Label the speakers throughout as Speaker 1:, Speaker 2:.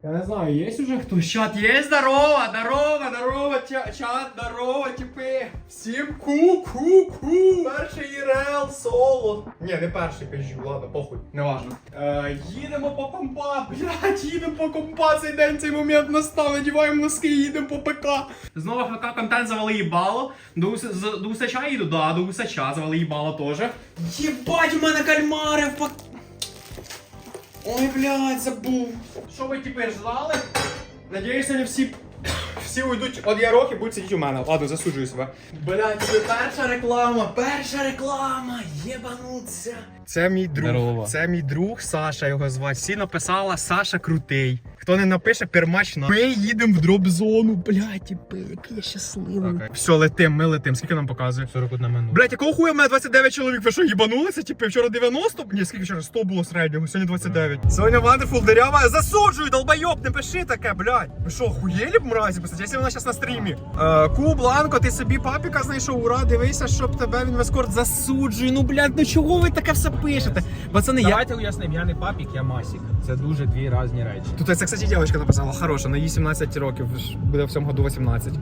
Speaker 1: Я не знаю, є уже хтось? Чат є? Здорово, чат, здорово, типи. Всім ку-ку-ку. Перший ІРЛ соло. Ні, не перший, кажу, ладно, похуй, не важно. Їдемо по компа, блядь, їдемо по компа, цей день, цей момент настав, надіваємо носки, їдемо по ПК. Знову ФК контент завали їбало. До Усача їду, да, до Усача завали їбало теж. Єбать, у мене кальмари в пак... Ой, блядь, забув. Що ви тепер ждали? Надіюсь, вони всі уйдуть від Ярохи і будуть сидіти у мене. Ладно, засуджую себе. Блядь, це перша реклама, єбануться. Це мій друг,
Speaker 2: Здорово.
Speaker 1: це мій друг Саша, його звати. Всі написала Саша крутий. Хто не напише, пермач на. Ми їдемо в дроп-зону, блядь, типи, який я щасливий.
Speaker 2: Okay.
Speaker 1: Все, летим, ми летим. Скільки нам показує?
Speaker 2: 41 минута.
Speaker 1: Блядь, якого хуя в мене 29 чоловік? Ви що, їбанулися? Типи, вчора 90? Ні, скільки вчора? 100 було середнього, сьогодні 29. Сьогодні Wonderful дырява. Засуджую, долбойоб, не пиши таке, блядь. Ви що, хуєлі б мразі писати, якщо вона зараз на стрімі? Ку, Бланко, ти собі папіка знайшов, ура, дивися, щоб тебе він в ескорт засуджує. Ну, блядь, ну чого ви таке все пишете? Пацани,
Speaker 2: Давайте уяснимо, я не папік, я масік. Це дуже дві різні речі.
Speaker 1: Тут це, кстати, дівчинка написала, хороша, на їй 17 років, буде в цьому году 18.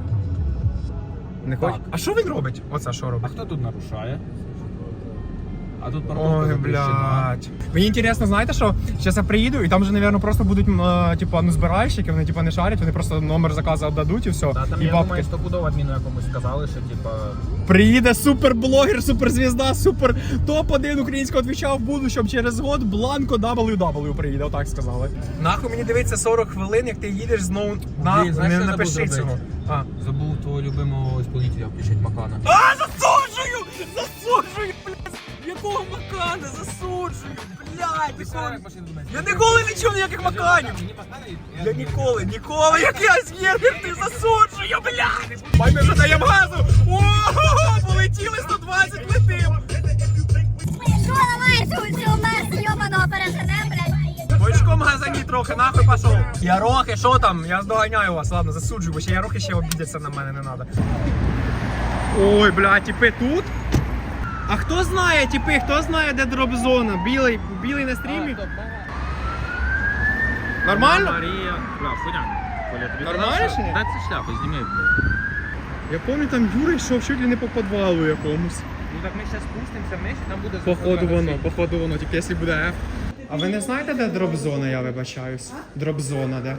Speaker 1: Не хочеш?
Speaker 2: Так.
Speaker 1: А що він робить? Оце що
Speaker 2: А
Speaker 1: робить?
Speaker 2: хто тут нарушає? А тут парковка
Speaker 1: Ой,
Speaker 2: запрещена.
Speaker 1: блядь. Мені інтересно, знаєте що? Зараз я приїду і там же, мабуть, просто будуть, типа, ну, збиральщики, вони, типа, не шарять, вони просто номер заказу віддадуть і все.
Speaker 2: Та там,
Speaker 1: І
Speaker 2: я
Speaker 1: бабки.
Speaker 2: думаю, стопудово адміну якомусь сказали, що, типа...
Speaker 1: Приїде суперблогер, суперзвізда, супер топ-1 українського твіча в будущому через год Бланко WW приїде, отак сказали. Нахуй мені дивиться 40 хвилин, як ти їдеш знову на...
Speaker 2: знаєш,
Speaker 1: Не
Speaker 2: що
Speaker 1: напиши
Speaker 2: забув
Speaker 1: цього.
Speaker 2: зробити?
Speaker 1: А.
Speaker 2: Забув твого любимого исполнителя включити Макана.
Speaker 1: Засуджую! Засуджую, блядь! Якого Макана? Засуджую, блядь! Якого... Я ніколи не чув ніяких Маканів! Я ніколи, як я з'їздив, ти засуджую, блядь! Бай, ми вже даємо газу! Ого, полетіли 120, летим!
Speaker 3: Що ламаєш цю мерз йобаного пережене, блядь?
Speaker 1: Бочком газані трохи, нахуй пішов! Ярохи, що там? Я здоганяю вас, ладно, засуджую, бо ще Ярохи ще обідяться на мене, не надо. Ой, блядь, типи тут? А хто знає, типи, хто знає, де дроп-зона? Білий на стрімі? Нормально?
Speaker 2: Марія. Бля, хуйня. Коля, тобі
Speaker 1: Нормально
Speaker 2: казав,
Speaker 1: чи ні?
Speaker 2: Дай цю шляпу, зніми, блядь.
Speaker 1: Я пам'ятаю, там Юра йшов чуть ли не по підвалу якомусь.
Speaker 2: Ну так ми зараз спустимося вниз, і там буде...
Speaker 1: Походу воно, тільки якщо буде F. А ви не знаєте, де дроп-зона, я вибачаюсь? Дроп-зона, де?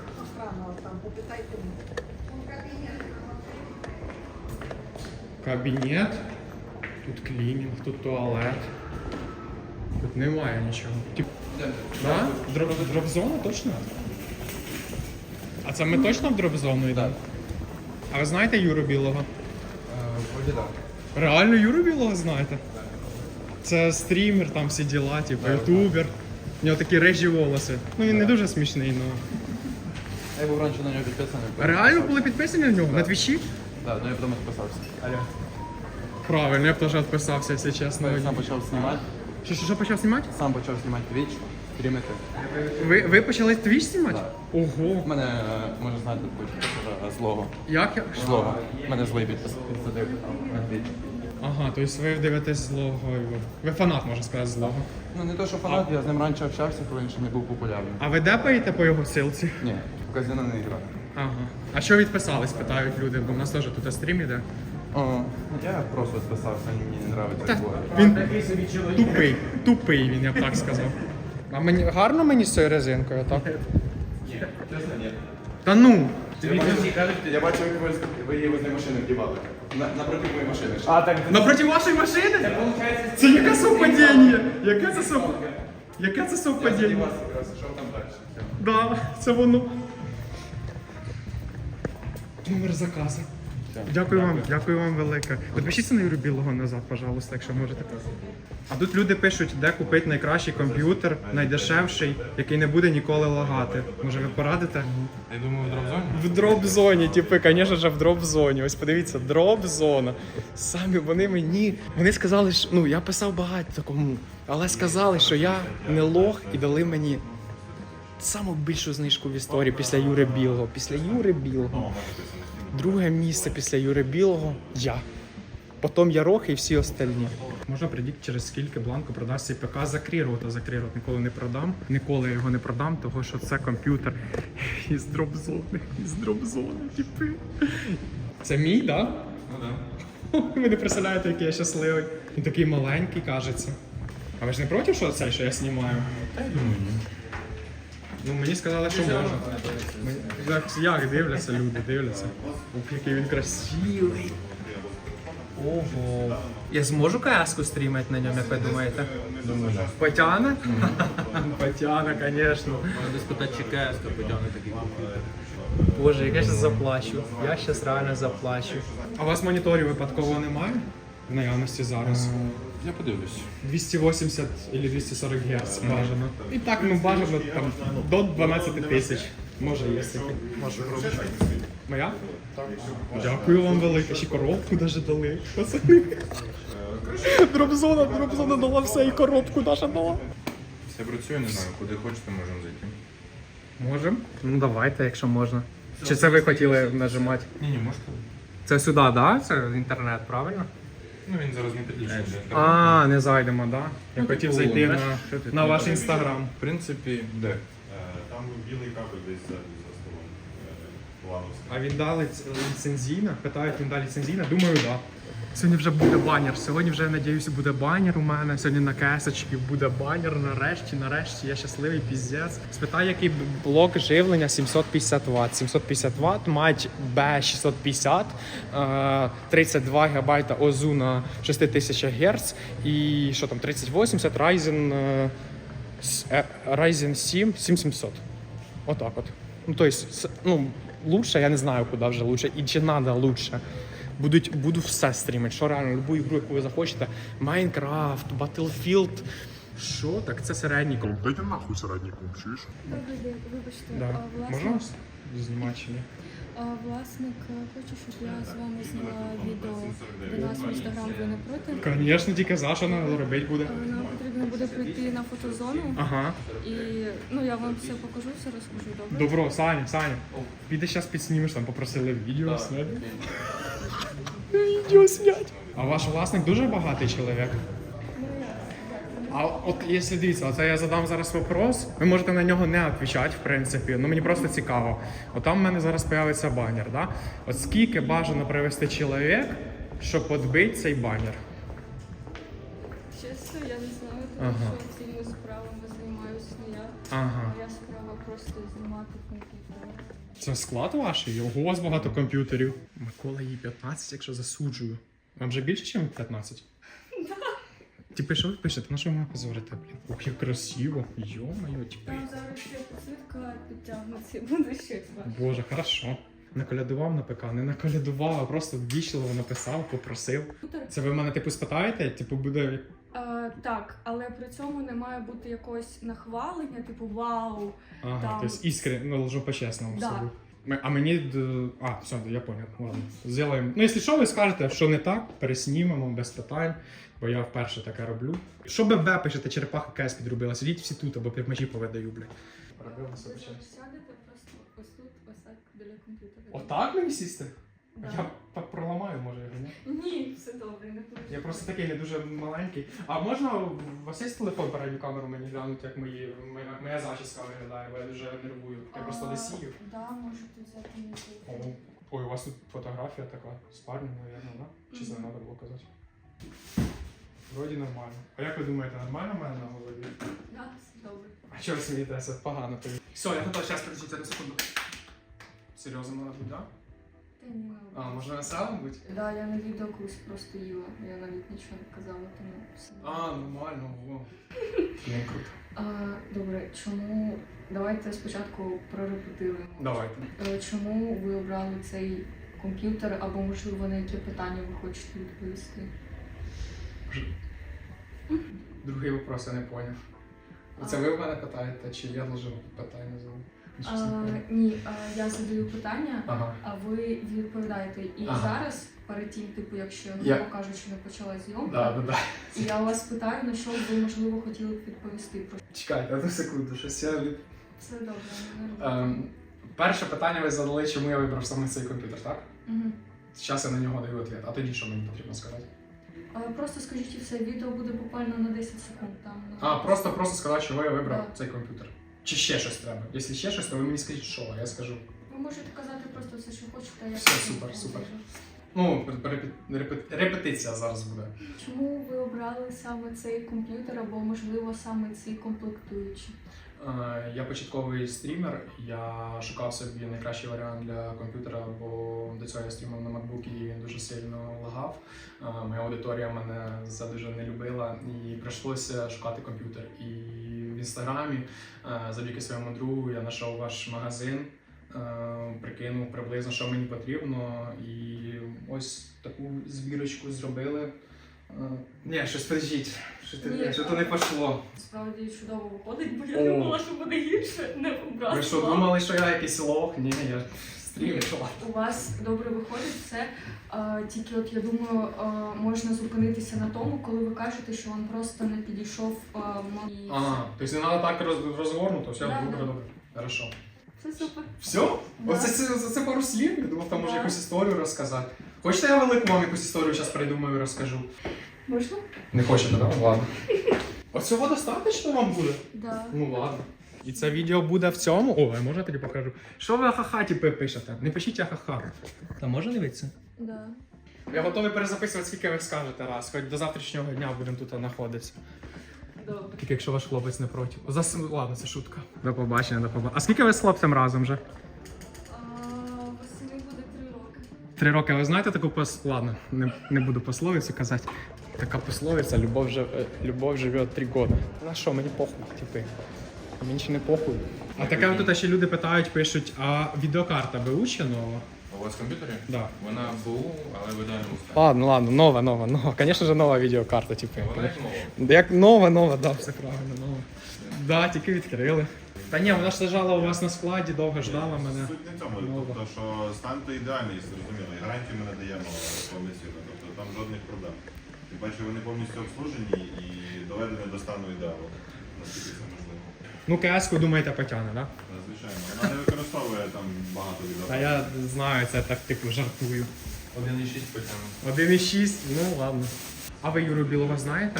Speaker 1: Кабінет. Тут клінінг, тут туалет. Тут немає нічого. Да? Дроп-зона точно? А це ми точно в дроп-зону йдемо? А ви знаєте Юру Білого?
Speaker 2: Вроді так.
Speaker 1: Реально Юру Білого знаєте? Це стрімер, там всі діла, типу, ютубер. У нього такі режі волоси. Ну він не дуже смішний, але...
Speaker 4: Я був раніше на нього підписаний.
Speaker 1: Реально були підписані на нього? На твічі?
Speaker 4: Так, ну я потім відписався.
Speaker 1: Правильно, я б теж відписався, якщо чесно.
Speaker 4: Я сам почав знімати.
Speaker 1: Що почав знімати?
Speaker 4: Сам почав знімати Twitch, стрімити.
Speaker 1: Ви почали твіч знімати? Ого.
Speaker 4: У мене, може знаєте, злого.
Speaker 1: Як я?
Speaker 4: Злого. У мене злий підсадив на Twitch.
Speaker 1: Ага, тобто ви дивитесь злого. Ви фанат, можна сказати, злого.
Speaker 4: Ну не то, що фанат, я з ним раніше общався, коли він ще не був популярним.
Speaker 1: А ви депаєте по його силці?
Speaker 4: Ні, в казино не граю.
Speaker 1: Ага. А що відписались, питають люди, бо в нас теж тут стрім іде.
Speaker 4: Я просто відписався, мені не подобається
Speaker 1: Та,
Speaker 4: такое.
Speaker 1: він тупий він, я б так сказав. А мені гарно мені з цією резинкою, так?
Speaker 4: Чесно, ні.
Speaker 1: Та ну!
Speaker 4: Я бачив, як ви її возле машини вдівали. Напроти моєї машини.
Speaker 1: Напроти вашої машини? Це яке совпадіння? Яке це совпадіння?
Speaker 4: Вас якраз, що там далі?
Speaker 1: Да, це воно. Номер заказу. Дякую вам велике. Підпишіться на Юру Білого назад, пожалуйста, якщо можете. А тут люди пишуть, де купити найкращий комп'ютер, найдешевший, який не буде ніколи лагати. Може ви порадите?
Speaker 4: Я думаю, в дроп-зоні?
Speaker 1: В дроп-зоні, типи, звісно ж, в дроп-зоні. Ось подивіться, дроп-зона. Самі вони мені, вони сказали, що, ну, я писав багато кому, але сказали, що я не лох і дали мені саму більшу знижку в історії після Юри Білого. Після Юри Білого. Друге місце після Юри Білого – я. потім Ярох і всі остальні. Можна придіть, через скільки Бланко продасть цей ПК за крірот, а за крірот ніколи не продам. Ніколи я його не продам, тому що це комп'ютер із дроп-зони, типи. Це мій, так? Да?
Speaker 4: Ну да.
Speaker 1: Ви не представляєте, який я щасливий. Він такий маленький, кажеться. А ви ж не проти, що це, що я знімаю?
Speaker 4: Та я думаю, ні.
Speaker 1: Ну, мені сказали, що можна. Як дивляться люди, дивляться. Ух, який він красивий. Ого. Я зможу КС-ку стрімати на ньому, як ви думаєте?
Speaker 4: Думаю, да.
Speaker 1: Потягне? Потягне, звісно.
Speaker 2: Треба спитати, чи КС потягне такий комп'ютер.
Speaker 1: Боже, як я зараз заплачу. Я зараз реально заплачу. А у вас моніторів випадково немає? В наявності зараз.
Speaker 4: Я подивлюсь.
Speaker 1: 280 или 240 Гц бажано. І так, ну бажано там до 12 тисяч. Може є таке. Моя? Так. Дякую вам велике. Ще коробку даже дали. Пацани. Дропзона дала все і коробку даже дала.
Speaker 4: Все працює, не знаю, куди хочете, можемо зайти.
Speaker 1: Можем? Ну давайте, якщо можна. Чи це ви хотіли нажимати?
Speaker 4: Ні, можете.
Speaker 1: Це сюди, так? Да? Це інтернет, правильно?
Speaker 4: Ну він зараз не підключений до інтернету.
Speaker 1: А, не зайдемо, так? Да? Я хотів зайти
Speaker 2: Що ти
Speaker 1: на ваш інстаграм.
Speaker 4: В принципі, де?
Speaker 5: Там білий кабель десь за столом. Плановський.
Speaker 1: А він дали ліцензійна? Питають, він дали ліцензійна? Думаю, так. Да. Сьогодні вже буде банер. Сьогодні вже, надіюсь, буде банер у мене. Сьогодні на кесочки буде банер. Нарешті, я щасливий, піздець. Спитаю, який блок живлення 750 Вт. 750 Вт, мать B650, 32 ГБ ОЗУ на 6000 Гц і що там, 3080 Ryzen 7 7700. Отак от. Ну, то есть, ну, лучше, я не знаю, куди вже лучше, і чи надо лучше. Буду все стрімити, що реально, любу ігру, яку ви захочете. Майнкрафт, Battlefield. Що? Так це середній комп.
Speaker 5: Дайте нахуй середній комп, чуєш?
Speaker 6: Добрий день, вибачте,
Speaker 1: Да.
Speaker 6: власник,
Speaker 1: Можна знімати чи ні?
Speaker 6: власник хоче, щоб я з вами зняла відео до нас в інстаграм, ви не проти?
Speaker 1: Звісно, тільки за що треба робити буде.
Speaker 6: Нам потрібно буде прийти на фотозону
Speaker 1: Ага.
Speaker 6: і ну, я вам все покажу, все розкажу, добре?
Speaker 1: Добро, Саня. Піди зараз підснімеш, там попросили відео зняти. Відео снять. А ваш власник дуже багатий чоловік? А от якщо дивіться, оце я задам зараз вопрос, ви можете на нього не відповідати, в принципі, ну мені просто цікаво. От там в мене зараз з'явиться банер, да? От скільки бажано привести чоловік, щоб відбити цей банер?
Speaker 6: Чесно, я не знаю, тому
Speaker 1: Ага.
Speaker 6: що цими справами займаюся не я.
Speaker 1: Ага.
Speaker 6: Моя справа просто знімати комп'ютер.
Speaker 1: Це склад ваш? Ого, у вас багато комп'ютерів. Микола їй 15, якщо засуджую. Вам вже більше, ніж 15? Типи, що ви пишете? На що ви мене позорите, блін? Ох, як красиво. Йо-моє, типи.
Speaker 6: Там зараз ще підсвітка підтягнеться, буде щось бачити.
Speaker 1: Боже, хорошо. Наколядував на ПК, не наколядував, а просто ввічливо написав, попросив. Це ви мене типу спитаєте? Типу буде.
Speaker 6: Так, але при цьому не має бути якогось нахвалення, типу вау.
Speaker 1: Ага,
Speaker 6: Там.
Speaker 1: тобто іскрен, ну ложу по-чесному
Speaker 6: Да.
Speaker 1: собі. А мені. Все, я понял. Ладно. Зробимо. Ну, якщо що, ви скажете, що не так, переснімемо без питань, бо я вперше таке роблю. Що ББ пишете, черепаха КС підробила, сидіть всі тут, або півмежі повидаю, блядь. Робилося
Speaker 6: Ви
Speaker 1: почесно.
Speaker 6: сядете просто ось тут, ось так біля комп'ютера.
Speaker 1: Отак мені сісти?
Speaker 6: Да.
Speaker 1: Я так проламаю, може, його, ні?
Speaker 6: Ні, все добре, не переживайте.
Speaker 1: Я просто такий не дуже маленький. А можна у вас є телефон передню камеру мені глянути, як моя зачіска виглядає, бо я дуже нервую. Я просто лисію.
Speaker 6: Да, можете взяти мій телефон.
Speaker 1: Ой, у вас тут фотографія така з парнем, мабуть, да? Чи це не треба було казати? Вроді нормально. А як ви думаєте, нормально в мене на голові?
Speaker 6: Да, все добре.
Speaker 1: А чого ви смієтеся? Погано тобі. Все, я готов, зараз подождіть на секунду. Серйозно треба бути, так?
Speaker 6: Та ні,
Speaker 1: А, можна веселим бути?
Speaker 6: Да, я на відео колись просто їла, я навіть нічого не казала, тому все.
Speaker 1: А, нормально, во. Ну, круто.
Speaker 6: Добре, чому... Давайте спочатку прорепетируємо.
Speaker 1: Давайте.
Speaker 6: Чому ви обрали цей комп'ютер, або, можливо, на які питання ви хочете відповісти?
Speaker 1: Другий вопрос я не поняв. Це ви в мене питаєте, чи я должен питання задати?
Speaker 6: Ні, я задаю питання,
Speaker 1: Ага.
Speaker 6: а ви відповідаєте. І
Speaker 1: Ага.
Speaker 6: зараз, перед тим, типу, якщо,
Speaker 1: Я-
Speaker 6: грубо кажучи, не почала зйомка,
Speaker 1: Да.
Speaker 6: і я вас питаю, на що б ви, можливо, хотіли б відповісти.
Speaker 1: Чекайте, одну секунду, щось я...
Speaker 6: Все добре, не нервуйте.
Speaker 1: Перше питання ви задали, чому я вибрав саме цей комп'ютер, так?
Speaker 6: Мгм.
Speaker 1: Зараз я на нього даю відповідь. А тоді що мені потрібно сказати?
Speaker 6: Просто скажіть і все, відео буде буквально на 10 секунд там.
Speaker 1: Просто сказати, чого я вибрав
Speaker 6: Да.
Speaker 1: цей комп'ютер. Чи ще щось треба? Якщо ще щось, то ви мені скажіть, що, а я скажу.
Speaker 6: Ви можете казати просто все, що хочете, а я
Speaker 1: Все,
Speaker 6: потім
Speaker 1: супер, супер.
Speaker 6: скажу.
Speaker 1: Ну, репетиція зараз буде.
Speaker 6: Чому ви обрали саме цей комп'ютер або, можливо, саме ці комплектуючі?
Speaker 1: Я початковий стрімер, я шукав собі найкращий варіант для комп'ютера, бо до цього я стрімив на MacBook і він дуже сильно лагав. Моя аудиторія мене дуже не любила і прийшлося шукати комп'ютер. І в інстаграмі, завдяки своєму другу, я знайшов ваш магазин, прикинув приблизно, що мені потрібно, і ось таку збірочку зробили. Ні, щось подождіть, що то не пішло.
Speaker 6: Справді чудово виходить, бо
Speaker 1: О.
Speaker 6: я думала, що буде гірше, не обрала.
Speaker 1: Ви що, думали, що я якийсь лох? Ні, я стрімер.
Speaker 6: У вас добре виходить все, тільки от я думаю, можна зупинитися на тому, коли ви кажете, що він просто не підійшов і
Speaker 1: Ага, тобто не треба так розгорнуто, все,
Speaker 6: Да,
Speaker 1: добре,
Speaker 6: да.
Speaker 1: добре. Хорошо.
Speaker 6: все супер.
Speaker 1: Все?
Speaker 6: Да.
Speaker 1: Оце пару слів? Я думав, там може
Speaker 6: Да.
Speaker 1: якусь історію розказати. Хочете, я велику вам якусь історію зараз придумаю і розкажу?
Speaker 6: Можна?
Speaker 1: Не хочете, так? Ладно. Оцього достатньо вам буде?
Speaker 6: Да.
Speaker 1: Ну ладно. І це відео буде в цьому. О, я можна тоді покажу. Що ви ахаха пишете? Не пишіть ахаха. Та можна дивитися?
Speaker 6: Да.
Speaker 1: Я готовий перезаписувати, скільки ви скажете раз. Хоч до завтрашнього дня будемо тут знаходитися.
Speaker 6: Добре.
Speaker 1: Тільки якщо ваш хлопець не проти. Ладно, це шутка. До побачення, до побачення. А скільки ви з хлопцем разом вже?
Speaker 6: Восени буде 3 роки.
Speaker 1: 3 роки. Ви знаєте таку Ладно, не буду пословицю казати. Така пословиця, любов живе 3 роки. На що, мені похуй, типи. Мені ще не похуй. А таке тут ще люди питають, пишуть, а відеокарта БУ нова?
Speaker 5: У вас в комп'ютері?
Speaker 1: Да.
Speaker 5: Вона БУ, але в ідеальному стані.
Speaker 1: Ладно, нова. Звісно ж, нова відеокарта, типу.
Speaker 5: Вона як нова.
Speaker 1: Як нова, да, все правильно, нова. Да, тільки відкрили. Та ні, вона ж лежала у вас на складі, довго ждала мене.
Speaker 5: Суть не в цьому,
Speaker 1: Нова.
Speaker 5: тобто, що стан то ідеальний, зрозуміло, і гарантію ми надаємо повноцінно, тобто там жодних проблем. Тим паче вони повністю обслужені і доведені до стану ідеалу, наскільки це можливо.
Speaker 1: Ну, КС-ку, думаєте, потягне, так? Да?
Speaker 5: Звичайно, вона не використовує там багато
Speaker 1: Та
Speaker 5: відео.
Speaker 1: я знаю, це так типу жартую.
Speaker 5: 1.6 потягнув.
Speaker 1: 1,6, ну ладно. А ви Юру Білого знаєте?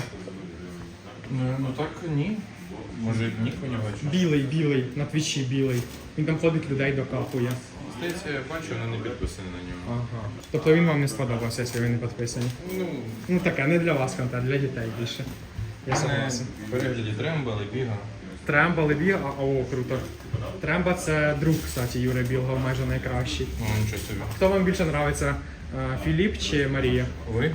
Speaker 5: Ну так ні. Може нік у нього чи?
Speaker 1: Білий, на твічі білий. Він там ходить, людей докапує.
Speaker 5: Здається, я бачу, вона не підписана на нього.
Speaker 1: Ага. Тобто він вам не сподобався, якщо ви не підписані? Ну таке, не для вас контент, для дітей більше. Я согласен.
Speaker 5: В перегляді Трембл і Біга.
Speaker 1: Тремба, Лебіга, о, круто. Тремба це друг, кстати, Юри Білого, майже найкращий.
Speaker 5: Ну, нічого собі.
Speaker 1: Хто вам більше подобається, Філіп чи Марія?
Speaker 5: Ви?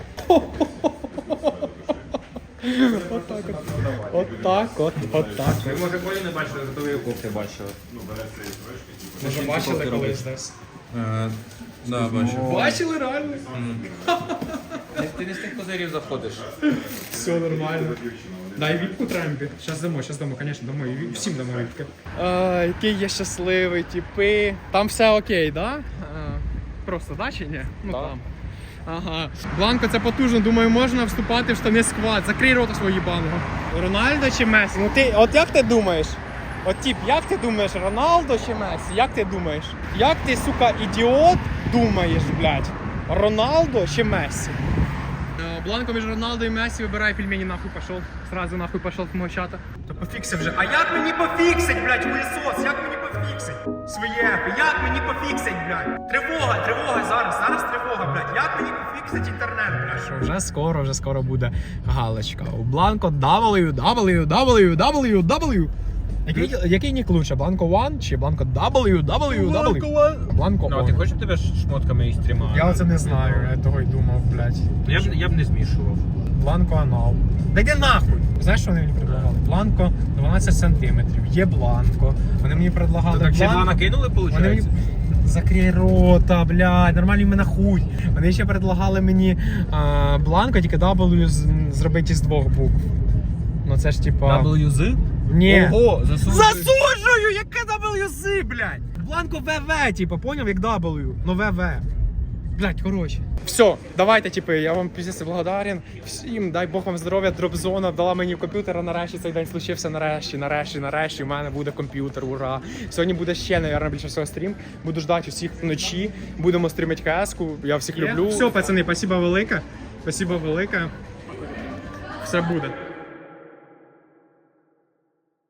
Speaker 1: Отак.
Speaker 2: Ви, може, Колі не бачили, зато ви кофти бачили.
Speaker 1: Може бачили колись десь?
Speaker 5: Да, бачу.
Speaker 1: Бачили реально?
Speaker 2: Ти не з тих козирів заходиш.
Speaker 1: Все нормально. Дай віпку Трембі. Щас дамо, звісно, дамо. І всім дамо віпки. Який я щасливий, типи. Там все окей, да? Просто, да чи ні? Ну там. Ага. Бланко, це потужно, думаю, можна вступати в штани сквад. Закрий рота свого їбаного. Рональдо чи Месі? Ну ти, от як ти думаєш? От тип, як ти думаєш, Роналдо чи Месі? Як ти думаєш? Як ти, сука, ідіот, думаєш, блядь? Роналдо чи Месі? Бланко між Роналдо і Месі, вибирай пельмені, нахуй пошел. Сразу нахуй пошел з мого чата. Та пофікси вже. А як мені пофіксить, блядь, хуєсос? Як мені пофіксить? Своє, як мені пофіксить, блядь? Тривога зараз тривога, блядь. Як мені пофіксить інтернет, блядь? Що, вже скоро буде галочка. У Бланко www. Який нік лучше? Бланко One чи Бланко www? Бланко
Speaker 2: Ну, а ти
Speaker 1: On.
Speaker 2: хочеш, щоб тебе шмотками і стріма?
Speaker 1: Я оце не знаю, я того й думав, блядь.
Speaker 2: Я б не змішував.
Speaker 1: Бланко анал. Да йди нахуй! Знаєш, що вони мені предлагали? Бланко 12 сантиметрів. Є бланко. Вони мені предлагали
Speaker 2: Так ще два
Speaker 1: бланко.
Speaker 2: накинули,
Speaker 1: Вони мені...
Speaker 2: виходить?
Speaker 1: Закрий рота, блядь, нормальний мене хуй. Вони ще предлагали мені бланко, тільки W зробити з 2 букв. Ну це ж типа...
Speaker 2: WZ?
Speaker 1: Ні.
Speaker 2: Ого, засуджую.
Speaker 1: Засуджую! Яке WZ, блядь? Бланко ВВ, типа, поняв, як W, но ВВ. Блять, коротше. Все, давайте, типи, я вам піздець благодарен. Всім, дай Бог вам здоров'я, дропзона дала мені комп'ютер, а нарешті цей день случився, нарешті, у мене буде комп'ютер, ура. Сьогодні буде ще, наверное, більше всього стрім. Буду ждати усіх вночі, будемо стрімити КС-ку, я всіх люблю. Все, пацани, спасибо велике, все буде.